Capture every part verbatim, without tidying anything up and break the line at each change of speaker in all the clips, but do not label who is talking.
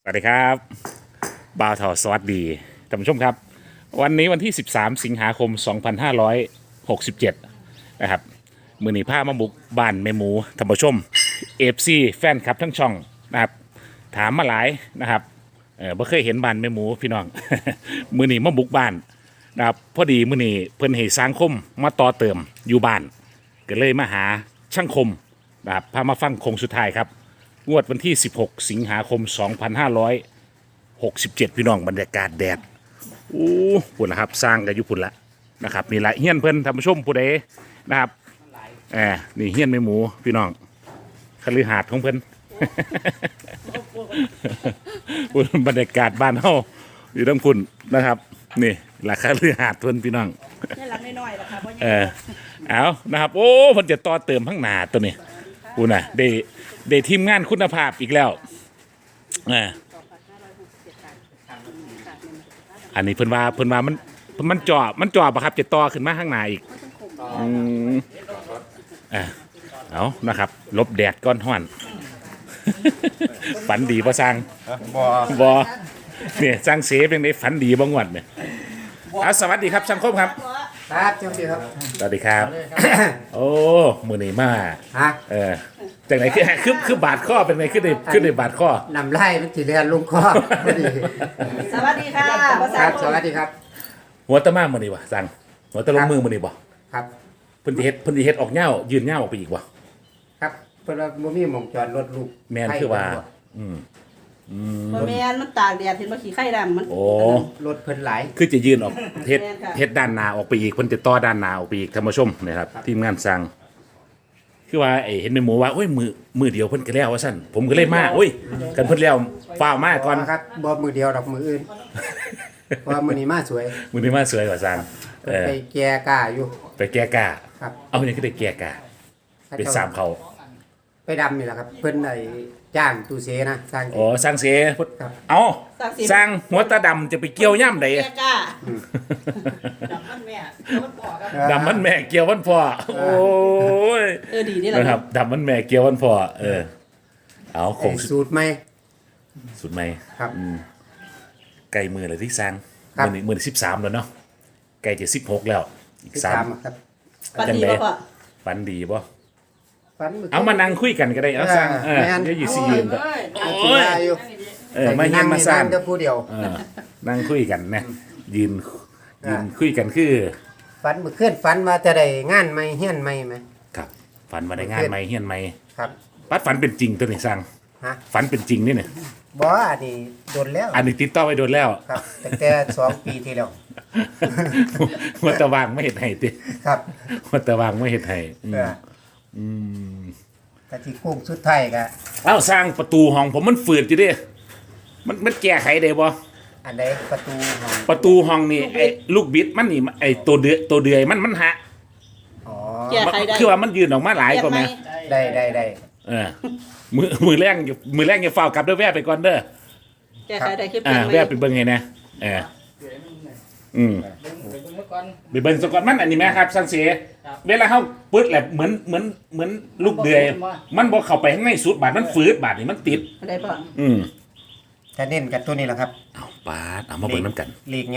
สวัสดีครับบ่าวทอสวัสดีท่านผู้ชมครับวันนี้วันที่สิบสามสิงหาคมสองพันห้าร้อยหกสิบเจ็ดนะครับมือหนีผ้ามาบุกบ้านแม่หมูท่านผู้ชมเอฟซีแฟนคลับทั้งช่องนะครับถามมาหลายนะครับเออบ่เคยเห็นบ้านแม่หมูพี่น้อง มือหนีมาบุกบ้านนะครับพอดีมือหนีเพิ่นให้สร้างคมมาต่อเติมอยู่บ้านก็เลยมาหาช่างคมนะครับพามาฟังโคงสุดท้ายครับงวดวันที่ สิบหก สิงหาคม สองพันห้าร้อยหกสิบเจ็ด พี่น้องบรรยากาศแดดอู้ปุ่นละครับสร้างกันอยู่ปุ่นละนะครับนี่แหละเฮี้ยนเพิ่นท่านผู้ชมผู้ใดนะครับแอบนี่เฮี้ยนแม่หมูพี่น้องคฤหาสน์ของเพิ่น ปุ่นบรรยากาศบ้านเฮาอยู่ทั้งพุ่นนะครับนี่แหละคฤหาสน์เพิ่นพี่น้อง
นี่หลังน้อยๆล่ะค่ะบ่ใหญ่
เออเอานะครับโอ้เพิ่นจะต่อเติมข้างหน้าตัวนี้ปุ่นน่ะได้ได้ทีมงานคุณภาพอีกแล้วอ่าอันนี้เพิ่นว่าเพิ่นว่ามันมันจ่อมันจ่อปะครับจะต่อขึ้นมาข้างหน้าอีกอืมอ่าเอานะครับลบแดดก้อนห้อน ฝันดีบ่สร้าง
บ่
บ่เนี่ยสร้างเสเป็นได้ฝันดีบ่งวดเนี่ยเอาสวัสดีครับสังคมครับ
ครับเจ้าพี่ครับ
สวัสดีครับ โอ้มื้อนี้มา
ฮะ
เออจังไหนคือคือคือบาดข้อเป็นไงขึ้นในขึ้นในบาดข้อน
ำไล่มันจีเรียนลุงคอพอดี
สวัสดีค่ะภา
ค
ษา
รับสวัสดีครับ
หัวตะมามื้อนี้บ่สั่งหัวตะลงมือมื้อนี้บ่
ครับ
เพิ่นสิเฮ็ดเพิ่นสิเฮ็ดออกเหย้ายืนเหย้าออกไปอีกบ่
ครับเพิ่นว่าบ่มีหม่องจอดรถลูก
แม่นคือว่าอืม
บ่แม่นมันตากแดดเห็นบ่ขี้ไข่ดำมัน
โอ้
รถเพิ่นหลาย
คือจะยืนออกเฮ็ด
แม่นค่ะ
เฮ็ดด้านหน้าออกไปอีกเพิ่นจะต่อด้านหน้าออกไปอีกท่านผู้ชมนะครับทีมงานสั่งคือว่าไอ้เห็นแม่หมูว่าโอ้ยมือมือเดียวเพิ่นก็แล้วว่าซั่นผมก็เลยมาโอ้ยกันเพิ่นแล้วฟ้าวมาก่อน
ครับบ่มือเดียวดอกมืออื่นเพราะว่ามื้อนี้มาสวย
มื้อนี้มาสวยกว่าสั่งเออ
ไปแก่กล้าอยู่
ไปแก้กา
ครับ
เอาเนี่ยคือได้แก้กาเป็นสามเขา
ไปดำนี่แหละครับ เพิ่นได้จ้างตู้เสนะสร้าง
อ๋อสร้างเสีย
ครับ
เอา
สร้างสิ
สร้างหัวตาดำจะไปเกี่ยวย่ำใด
แก่กล้าดำมันแม่มันบอกครับ
ดำมันแม่เกี่ยววันพ่อโอ้ย
เออดีนี่แหละ
นะครับดำมันแม่เกี่ยววันพ่อเออเอาค
ไอ้
ง
สูตรใหม่
สุดไหม
ครับ
ไก่มือเลยที่สร้าง
ครับ
มือนี้มือสิบสามแล้วเนาะไก่จะสิบหกแล้วอีกสาม
ครับ
ปันดีบ่พ่อ
ปันดีป่ะ
ฝัน
เอามานั่งคุยกันก็ได้เอาสร้างเออ
แม่น
เดี๋ยวอยู่สี่ยืนก็
โอ้
โอ้ย
ยอยู่
เออมาเยี่ยมมาสร้าง
เดี๋ยวผู้เดียว
เออนั่งคุยกันนะยืนยืนคุยกันคือ
ฝันเมื่อคืนฝันว่าจะได้งานใหม่เฮียนใหม่ไหม
ครับฝันมาได้งานไหมเฮียนไหม
ครับ
ปัดฝันเป็นจริงตัวนี้สร้าง
ฮะ
ฝันเป็นจริงนี่เนี่ย
บ่อันนี้โดนแล้ว
อันนี้ติดต่อไปโดนแล้ว
ครับตั้งแต่สองปีที่แล้ว
วัตะวางไม่เห็นให้ติ
ครับ
วัตะวางไม่เห็นให้อืม
เออ
อืม
กะที่กุ้งสุดท้ายก็
เอ้าสร้างประตูห้องผมมันฝืดอยู่ดิมันมันแก้ไขได้บ่
อันใดประตูห้อง
ประตูห้องนี่ไอ้ลูกบิดมันนี่ไอ้ตัวเดือยตัวเดือยมันมันหัก
อ๋อ
แก้ไขได้
คือว่ามันยืนออกมาหลายกว่าไหม
ได้ได้ได้
เออมือมือแรงอย่ามือแรงอย่าเฝ้ากลับเด้อแวะไปก่อนเด้อ
แก้ไขได้คือ
อ่า
เป็นไหม
แวะไปเบิ่งไงนะเอออืมไปเบิ่งสกอนมันอันนี้ไหมครับสังเสียเวลาเขาปึ๊ดแหละเหมือนเหมือนเหมือนลูกเดือยมันบ่เข้าไปข้างในสุดบาดมันฝืดบาดนี่มันติด
อะไรพ่อ
อืม
ถ้าเน้นกับตัวนี้แหละครับ
เอาปาดเอามาเบิ่งน้ำกัน
ลีกไง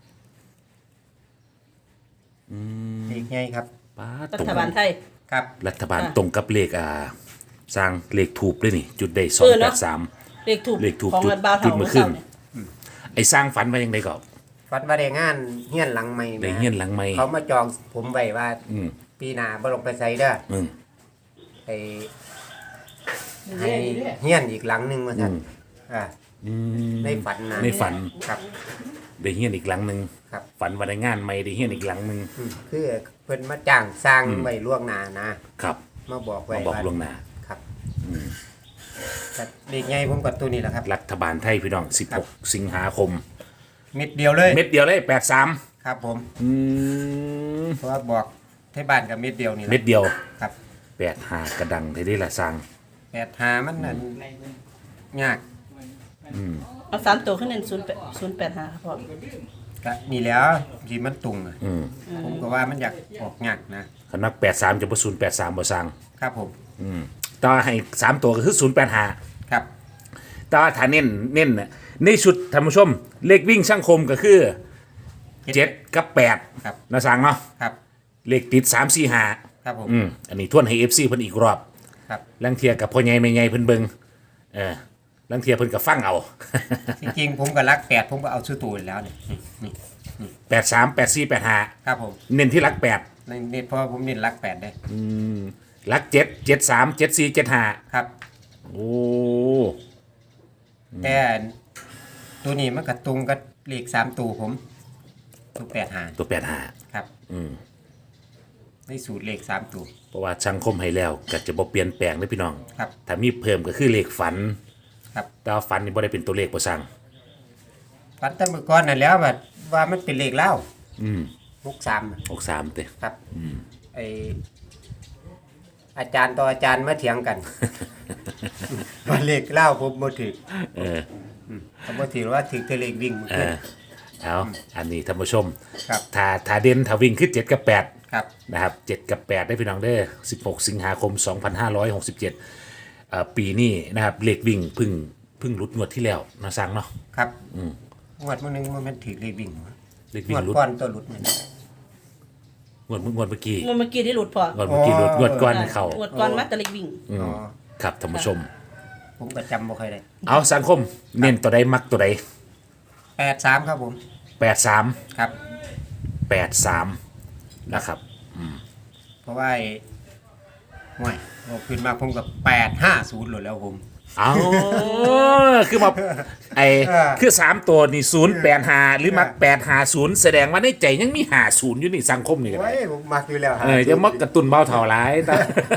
ลีกไงครับ
ปาด
รั
ตรง
ฐบาลไทย
ครับ
รัฐบาล
ค่ะ
ตรงกับเลขอ่าสร้างเลขถูกเลยนี่ จุดได้สอ
เอง อ
แป
เนอะ
ดสาม
เลขถูก
เลขถูก
ของ
จุด
เงินบาว
จุ
เท่า
ดเมื่
เมื่
อ
อ
คื
เช้าน เนี่ย
ไอ้สร้างฝันว่ายังไงก็
ฝันว่าได้งานเฮียนหลังใหม่
ได้
แหม
เฮียนหลังไม่
เขามาจองผมไว้ว่า
อืม
ปีหน้าบ่ลงไปใส่เด้อ
อืม
ให้ให้เฮียนอีกหลังหนึงว่าซั่น
อืม
อ่า
อืม
ในฝันนะ
ในฝัน
ครับ
ได้เฮียนอีกหลังหนึ่ง
ครับ
ฝันว่าได้งานไม่ได้เฮียนอีกหลังหนึ่ง
อืมคือเพิ่นมาจ้างสร้างไว้ล่วงหน้านะครับ มาบอกไว้
มาบอกล่วงหน้า
ครับ
อืม
แต่เด็กไงผมกับตัวนี้แหละครับ
รัฐบาลไทยพี่น้องสิบหกสิงหาคม
เม็ดเดียวเลย
เม็ดเดียวเลยแปดสาม
ครับผม
อืม
เพราะว่าบอกที่บ้านกับเม็ดเดียวนี่แหละ
เม็ดเดียว
ครับ
แปดหากระดังที่ได้ละสร้าง
แปดหามันนั่นยาก
อืม
เอาสามตัวขึ้นเป็นศูนย์แปดศูนย์แปดห้าครับพ่อ
ก็นี่แหล้วที่มันตุงอะ
อืม
ผมก็ว่ามันอยากออกยากนะ
คณะแปดสามจะประศูนย์แปดสามบ่สร้าง
ครับผม
อืมต่อให้สามตัวก็คือศูนย์แปดหา
ครับ
แต่ว่าถ้าเน้นเน้นน่ะในชุดท่านผู้ชม เลขวิ่งช่างคมก็คือเจ็ดกับแปด
ครับ
นะสั่งเนาะ
ครับ
เลขติดสามสี่ห้า
ครับผม
อืมอันนี้ทวนให้เอฟซีเพิ่นอีกรอบ
ครับ
ลังเทียกับพ่อใหญ่แม่ใหญ่เพิ่นเบิ่งเออลังเทียเพิ่นก็ฟังเอา
จริงๆผมก็รักแปดผมก็เอาชื่อตัวอยู่แล้วนี่นี่
แปดสามแปดสี่แปดห้า
ครับผม
เน้นที่หลักแปด
ในเน็ตเพราะว่าผมเน้นรักแปดได้
หลักเจ็ดเจ็ดสามเจ็ดสี่เจ็ดห้า
ครับ
โอ้
แต่ตัวนี้มันกระตุงกับเลขสามตัวผมตัวแปดหาร
ตัวแปดห้า
ครับ
อืม
ในสูตรเลขสามตัว
เพราะว่าช่างคมให้แล้วก็จะบ่เปลี่ยนแปลงเด้อพี่น้อง
ครับ
ถ้ามีเพิ่มก็คือเลขฝัน
ครับ
แต่ว่าฝันนี่บ่ได้เป็นตัวเลขบ่สั่ง
ฟันแตั้งเมื่อก่อนนั่นแล้วว่าว่ามันเป็นเลขเล่า
อืม
หกสาม
หกสามเต้
ครับไออาจารย์ต่ออาจารย์มาเถียง กัน ว่าเลขเล่าผมบ่ถือ
เออ
ผมบ่ถือว่าถือแต่เลขวิ่งมัน
เอ
ขึ้น
อเอาอันนี้ท่านผู้ชม
ครับ
ถ้าถ้าเด่นถ้าวิ่งคือเจ็ดกับแปด
ครับ
นะครับเจ็ดกับแปดได้พี่น้องเด้อสิบหกสิงหาคมสองพันห้าร้อยหกสิบเจ็ดเอ่อปีนี้นะครับเลขวิ่งเพึ่งเพึ่งหลุดงวดที่แล้วนะสั่งเนาะ
ครับงวดมื้อนึงมันถือเลขวิ่ง
เลข
ง
วิ่ง
วด
หลุด
ก่อนตัวหลุดมัน
งวดงวดเมื่อกี้
มันเมื่อกี้ที่หลุดพอง
วดเมื่อกี้หลุดงวดก่อนให้เขา
หวดก่อนมาแตะลิกวิ่ง
อืม
อ๋อ
ครับท่านผู้ชม
ผมก็จำบ่ค่อยได้
เอาสังคมเน้นตัวใดมักตัวใด
แปดสามครับผม
แปดสาม
ครับ
แปดสามนะครับ
เพราะว่าไอ้ห่วยบอกขึ้นมาผมกับแปดห้าศูนย์หลดแล้วผม
เอาคือมาไอ
เออ
คือสามตัวนี่ศูนย์แปดหาหรือมักแปดหาศูนย์แสดงว่าในใจยังมีหาศูนย์อยู่นี่สังคมนี่กัน
โอ้ยผมมักอยู่แล้ว
เออจะมักกระตุนเบาเท่าไรแต่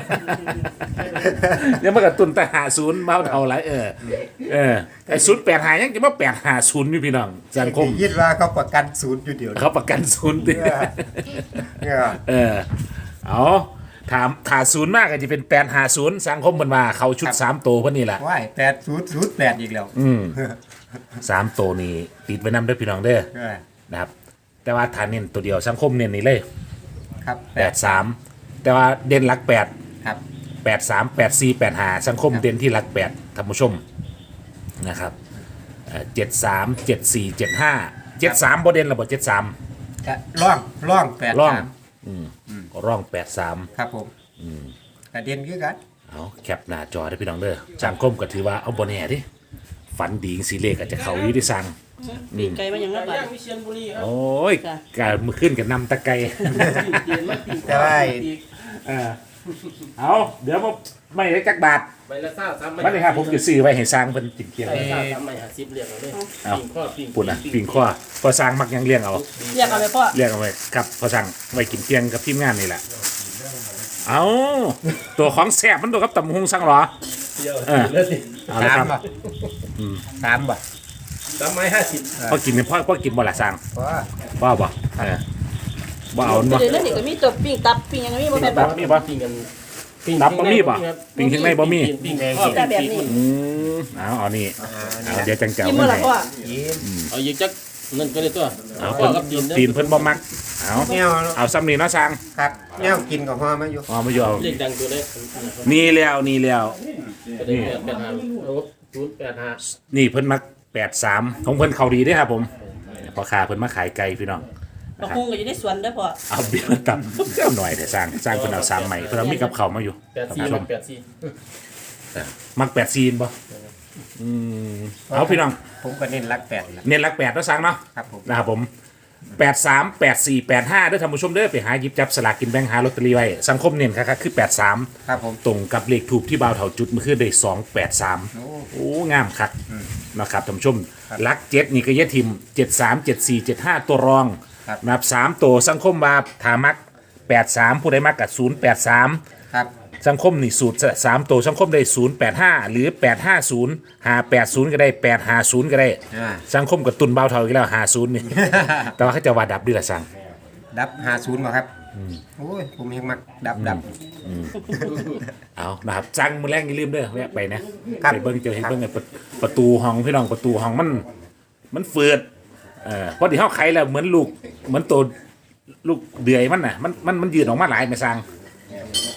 จะมักกระตุนแต่หาศูนย์เบาเท่าไรเออเออไอศูนย์แปดหายังจะมาแปดหาศูนย์อยู่พี่น้องสังคม
ยิดว่าเขาประกันศูนย์อยู่เดียว
เขาประกันศูนย์ดิ
เนี่ยเนี่ย
เออเอาถามถาศูนย์มากก็จะเป็นแปดหาศูนย์สังคมมันมาเขาชุดสามตัวพวกนี้แหละ
ว้ายแปดศูนย์ศูนย์แปดอีกแล้ว
อืมสามตัวนี้ติดไว้นำเด้วยพี่น้องเด้อ
เออ
นะครับ แต่ว่าฐานเน้นตัวเดียวสังคมเน้นนี่เลย
ครับ
แปดสามแต่ว่าเด่นหลักแปด
ครับ
แปดสามแปดสี่แปดห้าสังคมเด่นที่หลักแปดท่านผู้ชมนะครับเจ็ดสามเจ็ดสี่เจ็ดห้าเจ็ดสามโบเด่นระบบเจ็ดสาม
จะร่องร่องแปด
ร่อง
สาม
ร่องแปดสาม
ครับผมกระเด็นคือกัน
เอาแคปหน้าจอได้พี่น้องเด้อสังคมก็ถือว่าเอาโบแน่ดิฝันดีสีเลขอาจจะเขาอยู่ที่สั่ง
ดีไกลมาอย่างนั้นไป
ย่างวิเชียรบุรีครับ
โอ้ยการมือขึ้นกับนำตะไก
เตียนมาตี
แต่ว่า
เออเอาเดี๋ยวผมไม่ได้จักบาท
ใบละซ่าสามใบ
วันนี้ครับผมจะซื้อไว้ให้สร้างเป็นจิ่งเกียง
ใบละซ่าสามใบหาสิบเรียกเอาเลย
เอา
ปิ่งข้อปิ่ง
ปุ่นอ่ะปิ่งข้อพอสร้างมักยังเลี้ยงเอา
เรียกเอาไปพ่อ
เลี้ยงเอาไว้ครับพอสร้างไว้กินเที่ยงกับทีมงานนี่แหละเอาตัวของแซ่บมันตัวกับตำหงสังหรอ
เดียว
เออ
เลือดสิ
เอาละ
สา
ค
ม
รับ
บ่สามบ่
สามไม้ห้าสิบ
พอกินพ่อพ่อกินบ่ละสร้าง
เพราะว่า
บ่บ่เออบ่เอา
ไป
บ่
เดี๋ยวนั้นนี่ก็มีตัวปิ้งตับปิ้งหยังมีบ่แม่น
ตั
บ่
บมีบ่
ปิ่งกัน
ตับบะหมี่ป่ะปิ่งข้างในบะหมี่
ปิ่งข้อ
แต่แบบนี้
อืมเอาเอานี่เอาเดี๋ยวจังเจ้า
กิน
ไม่
มื้อละ
ให้
พ่อ
ยิ้ม
เอาอีกจักนั่นก็ได้ตัว
เอา
พ่อ
เพิ่น
กับตีน
ตีนเพิ่นบ่มักเอา
แนว
เอาซ้ำนี่เนาะสร้าง
ครับแนวกินกับพ่อมาอยู่
เอามาอยู่เอา
เลขดังตัวเล็ก
นี่แล้วนี่แล้ว
ก็ได้แปดห้าโอ้ศูนย์แปดห้า
นี่เพิ่นมักแปดสามของเพิ่นเขาดีเด้อครับผมพอค้าเพิ่นมาขายไก่พี่น้อง
บักฮุงก็อยู่ในสวนเด้อพ่อ
เอาเบี้ยมาตับเจ้าหน่อยแต่สร้างสร้างเพิ่นเอาสามใหม่เพิ่นเอามีกับเขาวมาอยู่
แปดสี่
ท่านผู้ชม
แปดสี่
มักแปดซีนบ่อืมเอาพี่น้อง
ผมก็เน้นรักแปดแหละ
เน้นหลักแปดเนาะสร้างเนาะ
ครับผม
นะครับผมแปดสามแปดสี่แปดห้าด้วยท่านผู้ชมเด้อไปหาหยิบจับสลากกินแบ่งหาลอตเตอรี่ไว้สังคมเน้นครับคือแปดสาม
ครับผม
ตรงกับเลขถูกที่บ่าวเถาจุดเมื่อคืนได้สองแปดสาม
โอ้
โอ้งามคักนะครับท่านผู้ชมลักเจ็ดนี่ก็เยะทิมเจ็ดสามเจ็ดสี่เจ็ดห้าตัวรอง
ครับ
นับสามตัวสังคมว่าถามักแปดสามผู้ใดมักกับศูนย์แปดสาม
ครับ
สังคมนี่สูตรสามตัวสังคมได้ศูนย์แปดห้าหรือแปดห้าศูนย์หาแปดศูนย์ก็ได้แปดห้าศูนย์ก็ได้
อ่า
สังคมกับตุนเบาวเท่าอีกแล้วหาศูนย์นี่ แต่ว่าเขาจะว่าดับด้วยละสัง
ดับห้าศูนย์บ่ครับโอ้ยผมยังมักดับดับ
เอานะครับจังมือแรกอย่าลืมเด้อแวะไปนะครับ ไปเบิ้งเจอเห็นเบิ้งไอ้ประประตูห้องพี่น้องประตูห้องมัน มันเฟืดเออเพราะที่เขาไขแล้วเหมือนลูกเหมือนตัวลูกเดือยมันน่ะมันมันมันยืดออกมาหลายไม่สัง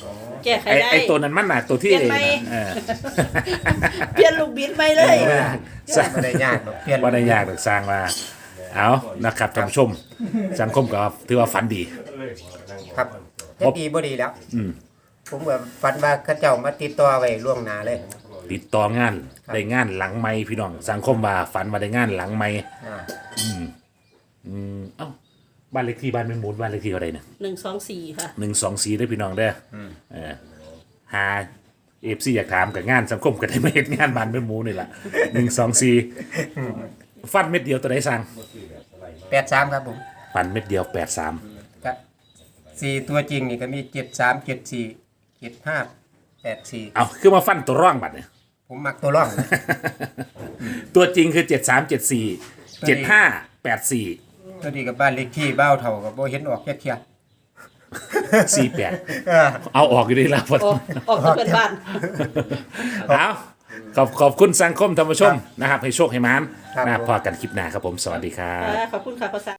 แก้ไข
ไอ้
ได้
ไอ้ตัวนั้นมันน่ะตัวที่
เปลี่ยนไหม
เออ
เปลี่ยนลูกบิดไปเลย
เออสร้าง
บ่ได้ยากหรอกเปลี่ยน
บ่ได้ยากหรอกสร้างมาเอานะครับท่านผู้ชม สังคมก็ถือว่าฝันดี
ครับจะดีบ่ดีแล้ว
อืม
ผมว่าฝันว่าเขาเจ้ามาติดต่อไว้ล่วงหน้าเลย
ติดต่องานได้งานหลังไม้พี่น้อง สังคมว่าฝันว่าได้งานหลังไม้
อ่า
อืมอืมเอ้าบ้านเลขที่บ้านแม่หมูบ้านเลขที่เท่าไหร่เนี่ย
หนึ่งสองสี่ค่ะ
หนึ่งสองสี่ได้อพี่น้องเด้ออเออหาเอฟซีอยากถามกับงานสังคมก็ได้มาเฮ็ดงานบ้านแม่หมูนี่แหละหนึ่งสองสี่ฟันเม็ดเดียวตัวไหนสั่ง
แปดสามครับผม
ฟันเม็ดเดียวแปดสาม
ก็สี่ตัวจริงนี่ก็มีเจ็ดสามเจ็ดสี่เจ็ดห้าแปดสี่
เอาคือมาฟันตัวร่องบัดเนี่ย
ผมมักตัวร่องนะ
ตัวจริงคือเจ็ดสามเจ็ดสี่เจ็ดห้าแปดสี่
ตัวนี้กับบ้านเลขที่บ้าวเท่ากับโบเห็นออกแค่เทีย
สี่แปด
เออ
เอาออกอยู่ดีแล้วพอ
โอ้ออกจากเพื่อนบ้าน
เอาขอบขอบคุณสังคมธรรมชมนะครับ ให้โชคให้มาน
ครับ
นะครับพอกันคลิปหน้าครับผม สวัสดีครับ
อ่าขอบคุณค่ะภาษา